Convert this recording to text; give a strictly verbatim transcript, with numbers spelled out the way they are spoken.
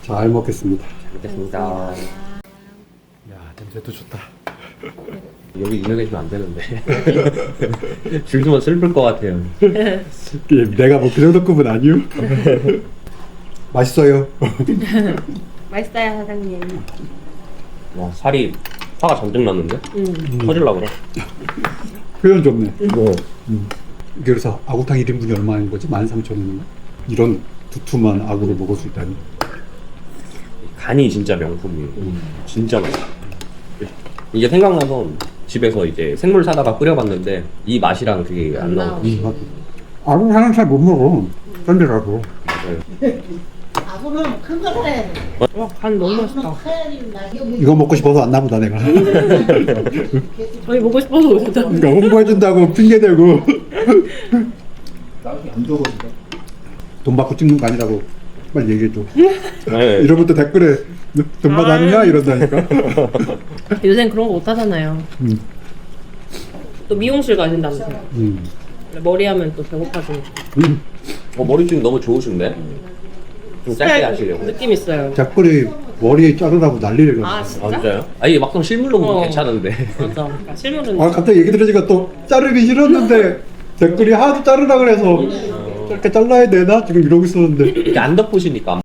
잘 먹겠습니다. 먹겠습니다. 야, 냄새도 좋다. 여기 있는 계시면 안 되는데. 줄 서면 슬플 것 같아요. 예, 내가 뭐 그 정도 급은 아니요. 맛있어요. 맛있어요, 사장님. 와, 살이 화가 잔뜩 났는데? 음. 터질라 그래. 표현 좋네. 뭐. 음. 그래서 아구탕 일 인분이 얼마인 거지? 만 삼천 원인가? 이런 두툼한 아구를 먹을 수 있다니. 간이 진짜 명품이에요. 진짜 맛있어. 이게 생각나서 집에서 이제 생물 사다가 끓여봤는데 이 맛이랑 그게 안 나오고. 음, 아구 하나 잘 못 먹어. 딴 데 가도. 아구는 큰 거래. 와, 간 너무 맛있다. 이거 먹고 싶어서 왔나 보다 내가. 저희 먹고 싶어서 오셨죠? 그러니까 홍보해준다고 핑계대고. 돈 받고 찍는 거 아니라고 빨리 얘기해줘. 네. 이러면 또 댓글에 돈 받았냐 이런다니까. 요새는 그런 거 못 하잖아요. 음. 또 미용실 가신다면서요. 음. 머리 하면 또 배고파지니까. 음. 어, 머리숱 너무 좋으신데? 좀 짧게 하시려고. 느낌 있어요. 댓글이 머리에 자르라고 난리를 아, 냈어. 아, 진짜? 진짜요? 아, 이게 막상 실물로 보면 어. 괜찮은데. 맞아. 그러니까 실물은. 아 갑자기 얘기 들으니까 또 자르기 싫었는데 댓글이 하도 자르라 그래서 이렇게 잘라야 되나? 지금 이러고 있었는데 이렇게 안 덮으시니까